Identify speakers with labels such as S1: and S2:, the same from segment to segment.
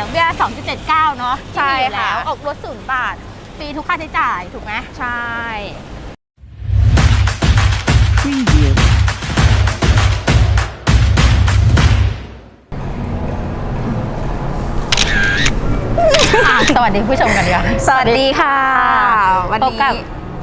S1: ดอกเบี้ย 2.79 เนาะ
S2: ใช่ค่ะ
S1: แล้วออกรถ0 บาทฟรีทุกค่าใช้จ่ายถูกไหม
S2: ใช่
S3: Preview.
S1: สวัสดีผู้ชมกันดีกว่า
S2: สวัสดีค่ะ วัน
S1: พบ
S2: นี้
S1: กับ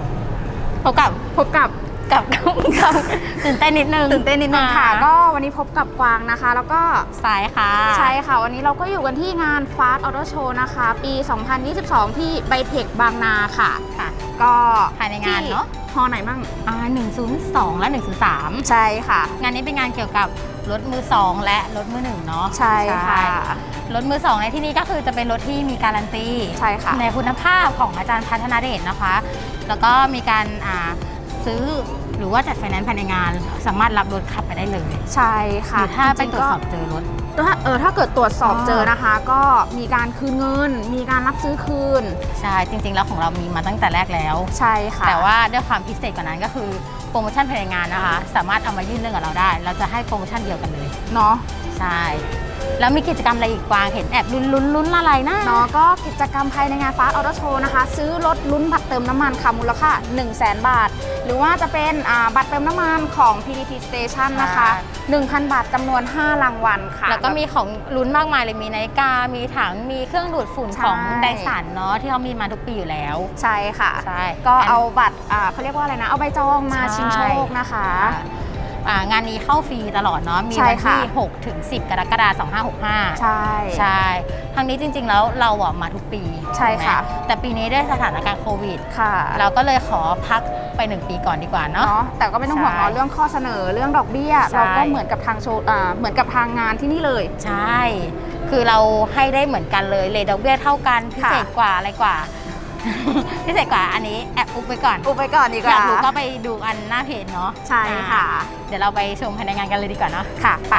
S1: ตื่นเต้นนิดนึง
S2: ตื่นเต้นนิดนึงค่ะ ก็วันนี้พบกับกวางนะคะ แล้วก็
S1: สายค่ะ
S2: ใช่ค่ะ วันนี้เราก็อยู่กันที่งาน Fast Auto Show นะคะ ปี 2022 ที่ไบเทคบางนาค่ะ
S1: ค่ะ
S2: ก็
S1: ภายในงานเนอะ
S2: ฮอไหนบ้าง
S1: 102 และ 103
S2: ใช่ค่ะ
S1: งานนี้เป็นงานเกี่ยวกับรถมือ2และรถมือ1เนาะ
S2: ใช่ค่ะ
S1: รถมือ2ในที่นี้ก็คือจะเป็นรถที่มีการันตี
S2: ใช่ค่ะ
S1: ในคุณภาพของอาจารย์พัฒนาเดชนะคะ แล้วก็มีการซื้อหรือว่าจัดไฟแนนซ์ภายในงาน สามารถรับรถขับไปได้เลย
S2: ใช่
S1: ห
S2: ค่ะ
S1: รือถ้าไป
S2: จ
S1: ตร
S2: งๆ
S1: วจสอบเจอรถ
S2: ถ้าเกิดตรวจสอบ
S1: อ๋อ
S2: เจอนะคะ ก็มีการคืนเงิน มีการรับซื้อคืน
S1: ใช่จริงๆแล้วของเรามีมาตั้งแต่แรกแล้ว
S2: ใช่ค่ะ
S1: แต่ว่าด้วยความพิเศษกว่านั้นก็คือโปรโมชั่นภายในงานนะคะ สามารถเอามายื่นเรื่องกับเราได้ เราจะให้โปรโมชั่นเดียวกันเลย
S2: เนาะ
S1: ใช่ แล้วมีกิจกรรมอะไรอีกกวางเห็นแอบลุ้นอะไรนะ
S2: เนาะก็กิจกรรมภายในงาน Fast Auto Show นะคะ ซื้อรถลุ้นบัตรเติมน้ำมันค่ะมูลค่า 100,000 บาท หรือว่าจะเป็นบัตรเติมน้ำมันของ PTT Station นะคะ 1,000 บาทจำนวน 5 รางวัลค่ะ
S1: แล้วก็มีของลุ้นมากมายเลย มีนาฬิกา มีถัง มีเครื่องดูดฝุ่น
S2: ใช่
S1: ของไดสันเนาะที่เขามีมาทุกปีอยู่แล้ว
S2: ใช่ค่ะ
S1: ใช่
S2: ก็เอาบัตรเขาเรียกว่าอะไรนะ เอาใบจองมา
S1: ใช่
S2: ชิงโชคนะคะ
S1: งานนี้เข้าฟรีตลอดเนาะ มี
S2: ใช่
S1: วัน
S2: ค่ะ
S1: ที่ 6 ถึง 10 กรกฎาคม 2565
S2: ใช่
S1: ใช่ทางนี้จริงๆแล้วเราอะมาทุกปี
S2: ใช่ค่ะ
S1: ถูกไหมแต่ปีนี้ด้วยสถานการณ์โควิด
S2: ค่ะ
S1: เราก็เลยขอพักไป 1 ปีก่อนดีกว่าเนาะ
S2: เนาะแต่ก็ไม่ต้องห่วง
S1: ใช่
S2: เนาะเรื่องข้อเสนอเรื่องดอกเบี้ย
S1: ใช่
S2: เราก็เหมือนกับทางโชว์เหมือนกับทางงานที่นี่เลย
S1: ใช่ คือเราให้ได้เหมือนกันเลยเลทดอกเบี้ยเท่ากัน พิเศษกว่าอะไรกว่า พิเศษกว่าอันนี้แอบอุบไปก่อน
S2: อุบไปก่อนดีก
S1: อยา
S2: ว่า
S1: กรู้ก็ไปดูอันหน้าเพจเนาะ
S2: ใช่ค่ะ
S1: เดี๋ยวเราไปชมภายในงานกันเลยดีกว่าเนาะ
S2: ค่ะไป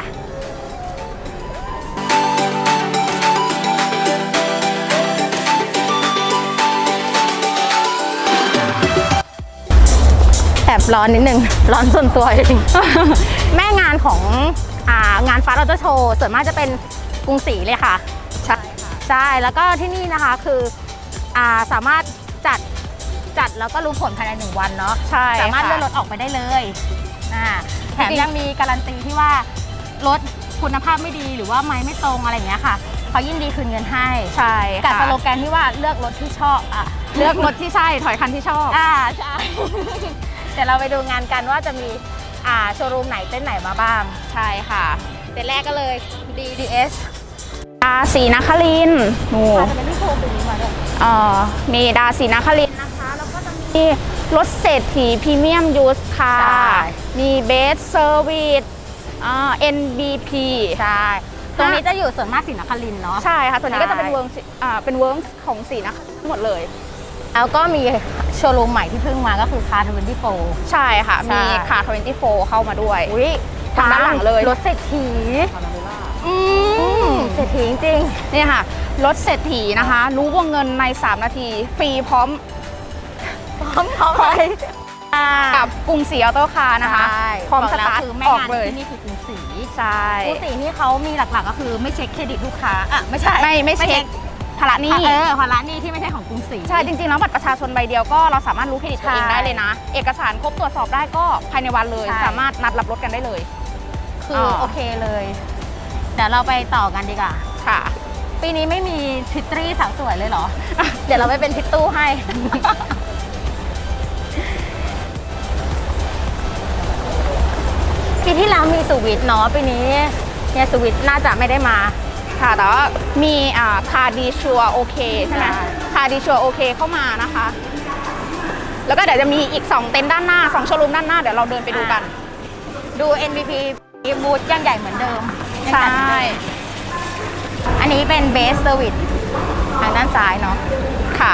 S1: แอบร้อนนิดนึง ร้อนส่วนตัวเอง แม่งานของงาน Fast Auto Show ส่วนมากจะเป็นกรุงศรีเลยค่ะ
S2: ใช่ค่ะ
S1: ใช่ แล้วก็ที่นี่นะคะคือสามารถจัดแล้วก็รู้ผลภายใน1 วันเนาะ
S2: ใช่
S1: สามารถ
S2: ค่ะ
S1: เลื่อนรถออกไปได้เลยแถม
S2: จริง
S1: ยังมีการันตีที่ว่ารถคุณภาพไม่ดีหรือว่าไม้ไม่ตรงอะไรอย่างเงี้ยค่ะเขายินดีคืนเงินให้
S2: ใช่
S1: กับ
S2: ค่ะ
S1: สโลแกนที่ว่าเลือกรถที่ชอบ
S2: เลือกรถที่ใช่ถอยคันที่ชอบ
S1: ใช่ เดี๋ยวเราไปดูงานกันว่าจะมีโชว์รูมไหนเต้นไหนมาบ้าง
S2: ใช่ค่ะ
S1: เต้นแรกก็เลย DDS
S2: ศรีนครินทร์หนู
S1: จะเป็นที่โชว์ตัวนี้มาด้วย
S2: มีดาศรีนครินทร์นะคะ แล้วก็จะมีรถเศรษฐีพรีเมียมยูสค่ะ
S1: ใช่
S2: มีเบสเซอร์วิสNBP
S1: ใช่ ตรงนี้จะอยู่ส่วนมากศรีนครินทร์เนาะ
S2: ใช่ค่ะ ตัวนี้ก็จะเป็น
S1: ใช่
S2: เวิร์กของศรีนครินทร์หมดเลย
S1: แล้วก็มีโชว์รูมใหม่ที่เพิ่งมาก็คือคาร์24
S2: ใช่ค่ะ
S1: ใช่
S2: มีคาร์24 เข้ามาด้วย
S1: อุ้ย
S2: ทางด้านหลังเลย
S1: รถเศรษฐี
S2: อืม
S1: เศรษฐีจริง
S2: นี่ค่ะ รถเศรษฐีนะคะ รู้วงเงินใน 3 นาที ฟรีพร้อม
S1: ๆพร้อมไป
S2: กับกรุงศรีออโต้คาร์นะคะ
S1: ใช่
S2: พร้อม
S1: บก
S2: ส
S1: แล้ว
S2: ตาร์ท
S1: คือแม่
S2: ออก
S1: งาน
S2: เลย
S1: ที่นี่คือกรุงศรี
S2: ใช่
S1: กรุงศรีนี่เขามีหลักๆก็คือไม่เช็คเครดิตลูกค้าไม่ใช่
S2: ไม่เช็คภาระหนี้
S1: ภาระหนี้ที่ไม่ใช่ของกรุงศรี
S2: ใช่ จริงๆ แล้วบัตรประชาชนใบเดียวก็เราสามารถรู้เครดิตตัวเอง
S1: ใช่
S2: ได้เลยนะ เอกสารครบตรวจสอบได้ก็ภายในวันเลย
S1: ใช่
S2: สามารถนัดรับรถกันได้เลย
S1: คือโอเคเลย เดี๋ยวเราไปต่อกันดีกว่า
S2: ค่ะ
S1: ปีนี้ไม่มีพิตตี้สาวสวยเลยเหรอ เดี๋ยวเราไปเป็นพิตตู้ให้ ปีที่แล้วมีสวิตเนาะปีนี้เนี่ยสวิตน่าจะไม่ได้มา
S2: ค่ะ แต่ว่ามีคาร์ดีชัวโอเคใช่ไหม
S1: ใช่
S2: คาร์ดีชัวโอเคเข้ามานะคะ แล้วก็เดี๋ยวจะมีอีก 2 เต็นท์ด้านหน้า 2 โชว์รูมด้านหน้า เดี๋ยวเราเดินไปดูกัน
S1: ดู NVP บูธยังใหญ่เหมือนเดิม
S2: ใช่
S1: อันนี้เป็นเบสเซอร์วิสทางด้านซ้ายเนาะ
S2: ค่ะ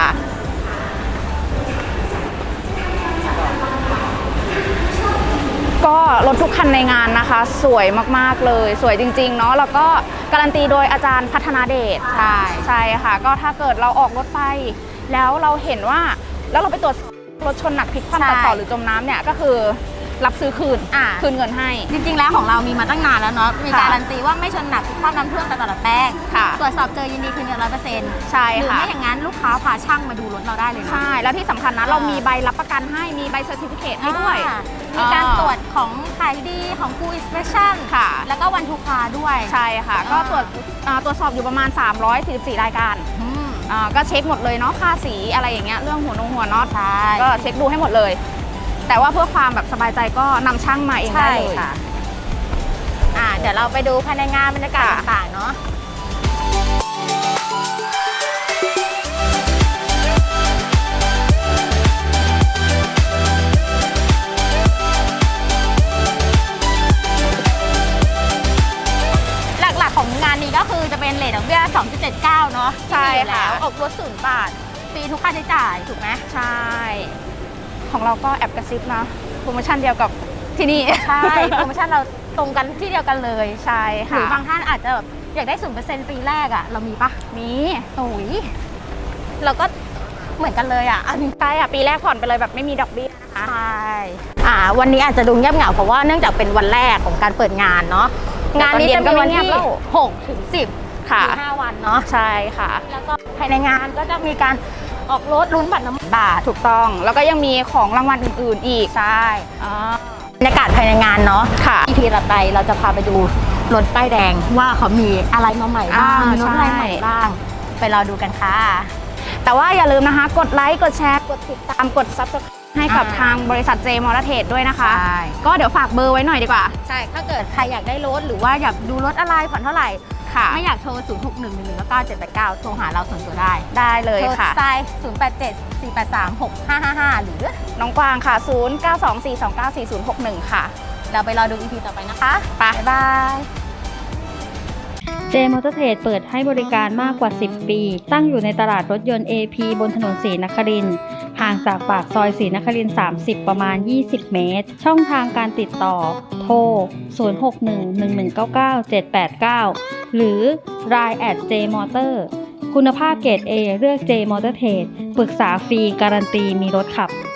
S2: ก็รถทุกคันในงานนะคะ สวยมากๆเลย สวยจริงๆเนาะ แล้วก็การันตีโดยอาจารย์พัฒนาเดช
S1: ใช่
S2: ใช่ค่ะ ก็ถ้าเกิดเราออกรถไป แล้วเราเห็นว่าแล้วเราไปตรวจรถชนหนักพลิกคว่ำตัดต่อหรือจมน้ำเนี่ยก็คือรับซื้อคืน คืนเงินให้
S1: จริงๆแล้วของเรามีมาตั้งนานแล้วเนาะมี
S2: ค่ะ
S1: การันตีว่าไม่ชนหนักทุกข้อน้ำท่วมตลอดแป้ง
S2: ค่ะ
S1: ตรวจสอบเจอยินดีคืนเงิน100%
S2: ใช่
S1: หรือ
S2: ค่ะ
S1: ไม่อย่างนั้นลูกค้าพาช่างมาดูรถเราได้เลยนะ
S2: ใช่ แล้วที่สำคัญนะ เรามีใบรับประกันให้ มีใบเซอร์ติฟิเคตให้ด้วย
S1: มีการตรวจของขายดีของ Full Inspection
S2: ค่ะ
S1: แล้วก็วันทุกคาด้วย
S2: ใช่ค่ะ ก็ตรวจสอบอยู่ประมาณ 344 รายการ
S1: อืม
S2: ก็เช็คหมดเลยเนาะ ค่าสีอะไรอย่างเงี้ย เรื่องหัวน็อต
S1: ใช่
S2: ก็เช็คดูให้หมดเลย แต่ว่าเพื่อความแบบสบายใจก็นำช่างมาเองได้
S1: ใช่
S2: เลย
S1: ค่ะเดี๋ยวเราไปดูภายในงานบรรยากาศ
S2: ค่ะ
S1: ต่างๆเนาะหลักๆของงานนี้ก็คือจะเป็นเรทดอกเบี้ย 2.79 เนาะ
S2: ใช่
S1: ที่มีอยู่
S2: ค่ะ
S1: แล้วออกรถ0 บาทฟรีทุกค่าใช้จ่ายถูกไหม
S2: ใช่ ของเราก็แอบกระซิบนะโปรโมชั่นเดียวกับที่นี่
S1: ใช่ โปรโมชั่นเราตรงกันที่เดียวกันเลย
S2: ใช่
S1: ห
S2: ค่ะ
S1: รือบางท่านอาจจะแบบอยากได้ 0% ปีแรกอะเรามีปะ
S2: มี
S1: โอ้ยเราก็เหมือนกันเลยอะอันนี้
S2: ใช่ปีแรกผ่อนไปเลยแบบไม่มีดอกเบี้ยนะคะ
S1: ใช่วันนี้อาจจะดูเงียบเหงาเพราะว่าเนื่องจากเป็นวันแรกของการเปิดงานเนาะงานนี้จะมีวันที่6 ถึง 10
S2: ค่ะ
S1: คือ5 วันเนาะ
S2: ใช่ค่ะ
S1: แล้วก็ภายในงานก็จะมีการออกรถลุ้นบัตรน้ำมันบาท
S2: ถูกต้อง แล้วก็ยังมีของรางวัลอื่นๆอีก
S1: ใช่บรรยากาศภายในงานเนาะ
S2: ค่ะ
S1: EP ต่อไปเราจะพาไปดูรถป้ายแดงว่าเขามีอะไรมาใหม่บ้าง มีรถอะไรใหม่บ้าง ไปรอดูกันค่ะ
S2: แต่ว่าอย่าลืมนะคะ กดไลค์ กดแชร์ กดติดตาม กด Subscribe ให้กับทางบริษัท J Motor Trade ด้วยนะคะ
S1: ใช่
S2: ก็เดี๋ยวฝากเบอร์ไว้หน่อยดีกว่า
S1: ใช่ ถ้าเกิดใครอยากได้รถหรือว่าอยากดูรถอะไรผ่อนเท่าไหร่
S2: ค่ะ
S1: ไม่อยากโทร 0 6 1 1 1 9 7 8 9 โทรหาเราส่วนตัวได้
S2: ได้เลย
S1: โทร
S2: ค่ะ
S1: สาย0 8 7 4 8 3 6 5 5 5 หรือ
S2: น้องกวางค่ะ 0924294061 ค่ะ
S1: เราไปรอดู EP ต่อไปนะคะ
S2: ไป
S1: บ๊ายบาย
S4: J Motor Trade เปิดให้บริการมากกว่า 10 ปี ตั้งอยู่ในตลาดรถยนต์ AP บนถนนศรีนครินทร์ห่างจากปากซอยศรีนครินทร์30 ประมาณ 20 เมตร ช่องทางการติดต่อ โทร 0611997789 หรือ Line @J Motor คุณภาพเกรด A เลือก J Motor Trade ปรึกษาฟรีการันตีมีรถขับ